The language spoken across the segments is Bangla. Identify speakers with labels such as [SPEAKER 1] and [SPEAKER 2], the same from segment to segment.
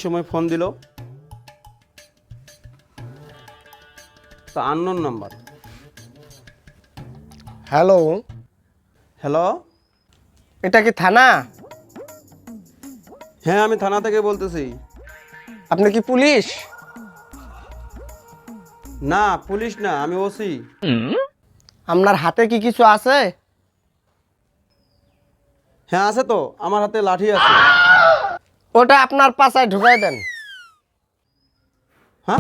[SPEAKER 1] সময় ফোন দিল? তো আননোন নাম্বার।
[SPEAKER 2] হ্যালো,
[SPEAKER 1] হ্যালো,
[SPEAKER 2] এটা কি থানা?
[SPEAKER 1] হ্যাঁ আমি থানা থেকে বলতেছি।
[SPEAKER 2] আপনি কি পুলিশ?
[SPEAKER 1] না পুলিশ না, আমি ওসি।
[SPEAKER 2] আপনার হাতে কি কিছু আছে?
[SPEAKER 1] হ্যাঁ আছে তো, আমার হাতে লাঠি আছে।
[SPEAKER 2] ওটা আপনার পাছায় ঢুকাই দেন।
[SPEAKER 1] হ্যাঁ,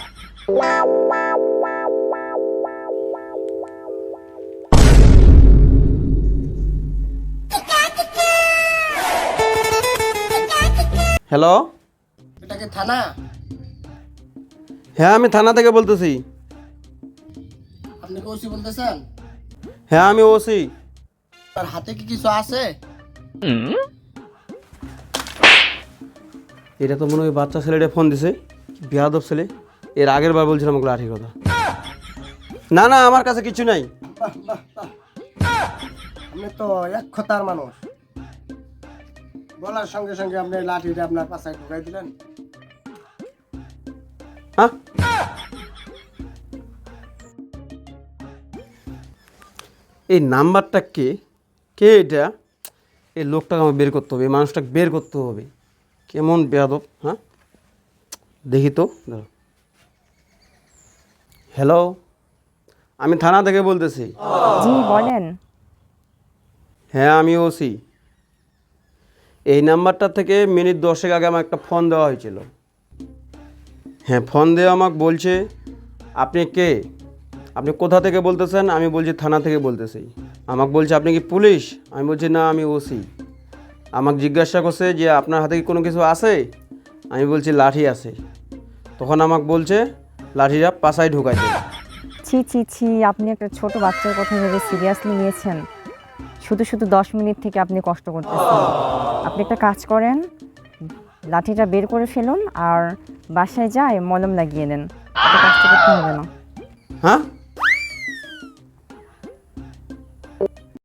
[SPEAKER 1] হ্যালো,
[SPEAKER 2] এটা কি থানা?
[SPEAKER 1] হ্যাঁ আমি থানা থেকে বলতেছি।
[SPEAKER 2] আপনি ওসি বলতেছেন?
[SPEAKER 1] হ্যাঁ আমি ওসি।
[SPEAKER 2] তার হাতে কি কিছু আছে?
[SPEAKER 1] এটা তো মনে হয় বাচ্চা ছেলেটা ফোন দিছে, বেয়াদব ছেলে। এর আগের বার বলছিলাম আমাকে লাঠির কথা। না না, আমার কাছে কিছু নাই।
[SPEAKER 2] আপনি তো এক কথার মানুষ, বলার সঙ্গে সঙ্গে আপনি লাঠিটা আপনার পাছায় ঢুকাই দিলেন।
[SPEAKER 1] হ্যাঁ, এই নাম্বারটা কে? কে এটা? এই লোকটাকে আমার বের করতে হবে, এই মানুষটাকে বের করতে হবে। কেমন বেয়াদব! হ্যাঁ, দেখি তো। দাঁড়াও। হ্যালো, আমি থানা থেকে বলতেছি।
[SPEAKER 3] জি বলেন।
[SPEAKER 1] হ্যাঁ আমি ওসি। এই নাম্বারটা থেকে মিনিট 10 আগে আমার একটা ফোন দেওয়া হয়েছিল। হ্যাঁ, ফোন দিয়ে আমাকে বলছে আপনি কে, আপনি কোথা থেকে বলতেছেন? আমি বলছি থানা থেকে বলতেছি। আমাকে বলছে আপনি কি পুলিশ? আমি বলছি না আমি ওসি। আমাকে জিজ্ঞাসা করছে যে আপনার হাতে কি কোনো কিছু আছে? আমি বলছি লাঠি আছে। তখন আমাকে বলছে লাঠিটা পাছায় ঢুকাই দেবে।
[SPEAKER 3] ছি ছি ছি, আপনি একটা ছোট বাচ্চার কথা ভেবে সিরিয়াসলি নিয়েছেন? শুধু শুধু 10 মিনিট থেকে আপনি কষ্ট করতেছেন। আপনি একটা কাজ করেন, লাঠিটা বের করে ফেলুন আর বাসায় যায় মলম লাগিয়ে নেন, এত কষ্ট করতে হবে না।
[SPEAKER 1] হ্যাঁ,